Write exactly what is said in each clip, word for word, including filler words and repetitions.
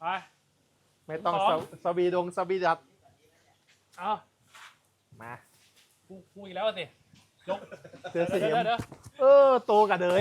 ไปไม่ต้องสองสสวีดงสวีดัดเอามากูกูอีกแล้วสิยกเสือเดี๋เสียยว มเดี๋ยวเดี๋ยวเออโตกับเดย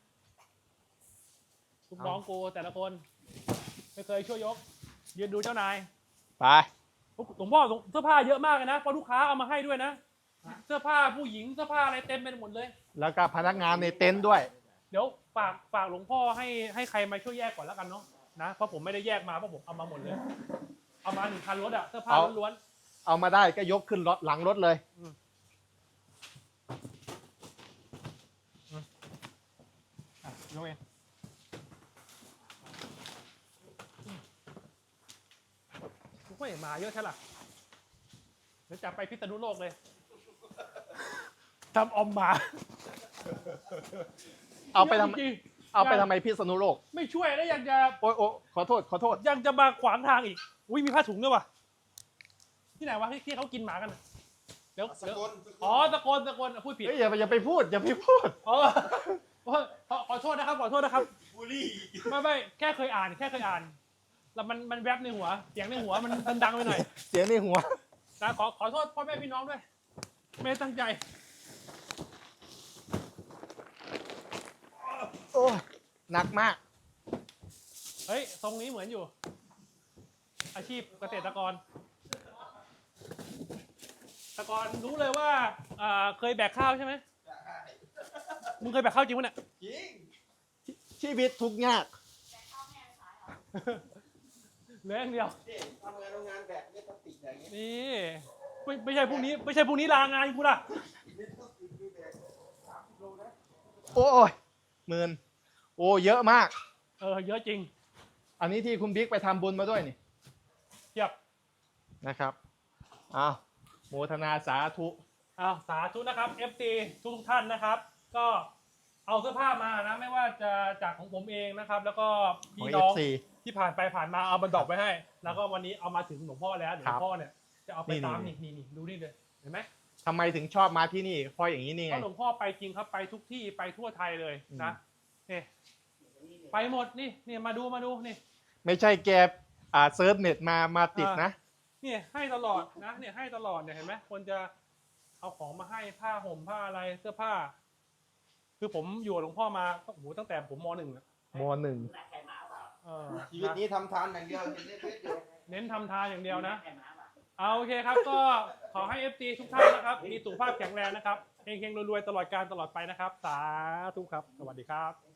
ลูกน้องกูแต่ละคน ไม่เคยช่วยยก ยืนดูเจ้านายไปหลวงพ่อเสื้อผ้าเยอะมากเลยนะเพราะลูกค้าเอามาให้ด้วยนะ เสื้อผ้าผู้หญิงเสื้อผ้าอะไรเต็มไปหมดเลยแล้วก็พนักงานในเต็นท์ด้วยเดี๋ยวฝากฝากหลวงพ่อให้ให้ใครมาช่วยแยกก่อนแล้วกันเนาะนะเพราะผมไม่ได้แยกมาเพราะผมเอามาหมดเลย เอามาหนึ่งคันรถอะเสื้อผ้าเอาล้วนเอามาได้ก็ยกขึ้นรถหลังรถเลยๆอ่ะยกเองกูก็เห็นมาเยอะใช่หรอเดี๋ยวจะไปพิษณุโลกเลยทำออมหมาเอาไปทำจริงเอาไปทำไมพิษณุโลกๆไม่ช่วยแล้วยังจะโอ้ยโอ้ยขอโทษขอโทษยังจะมาขวางทางอีกอุ้ยมีผ้าถุงด้วยวะที่ไหนวะที่ที่เขากินหมากันน่ะเดี๋ยวสเดี๋ยวกลอ๋อตะโกนตะโกนอ่ะพูดผิดเฮ้ยอย่าไปอย่าไปพูดอย่าไปพูดอ๋อขอขอขอโทษนะครับขอโทษนะครับบุรีไม่ไม่แค่เคยอ่านแค่เคยอ่าน แล้วมันมันแวบในหัวเสียงในหัวมันมันดังไปหน่อยเสียงในหัวนะขอขอโทษพ่อแม่พี่น้องด้วย ไม่ได้ตั้งใจโอ้ยหนักมากเฮ้ยทรงนี้เหมือนอยู่ อาชีพเกษตรกรเกษตรกรรู้เลยว่าอ่าเคยแบกข้าวใช่ไหมมึงเคยแบกข้าวจริงปะเนี่ยจริงชีวิตทุกข์ยากเหลืออย่างเดียวนี่ทำงานโรงงานแบบไม่ต้องติดอย่างเงี้ยนี่ไม่ไม่ใช่พรุ่งนี้ไม่ใช่พรุ่งนี้ลางานกูล่ะไม่ต้องติดดูแบบสามสิบโลนะโอ้ยหมื่นโอ้เยอะมากเออเยอะจริงอันนี้ที่คุณบิ๊กไปทำบุญมาด้วยนี่เทียบนะครับอ้าวโมทนาสาธุอ้าวสาธุนะครับ เอฟ ซี ทุกทุกๆท่านนะครับ ก็เอาเสื้อผ้ามานะไม่ว่าจะจากของผมเองนะครับ แล้วก็ของพี่เอน้อฟงซีที่ผ่านไปผ่านมาเอามาดรอปไว้ให้ แล้วก็วันนี้เอามาถึงหลวงพ่อแล้วเดี๋ยวหคลรัวบงพ่อเนี่ยจะเอาไปนี่ตามนี่นี่นี่นี่ดูนี่เลยเห็นไหมทำไมถึงชอบมาที่นี่เพราะอย่างนี้นี่เพไงราะหลวงพ่อไปจริงครับไปทุกที่ไปทั่วไทยเลยนะนี่ไปหมดนี่นี่มาดูมาดูนี่ไม่ใช่แกอ่าเซิร์ฟเน็ตมามาติดนะเนี่ยให้ตลอดนะเนี่ยให้ตลอดเนี่ยเห็นไหมคนจะเอาของมาให้ผ้าห่มผ้าอะไรเสื้อผ้า คือผมอยู่กับหลวงพ่อมาโอ้โหตั้งแต่ผมมหนึ่งอะมหนึ่งเออชีวิตนี้ทำทานอย่างเดียวเห็นเล็กๆเดียวเน้นทำทานอย่างเดียวนะเอาโอเคครับก็ขอให้ เอฟ ซี ทุกท่านนะครับมีสุขภาพแข็งแรงนะครับเฮงๆรวยๆตลอดการตลอดไปนะครับ สาธุครับสวัสดีครับ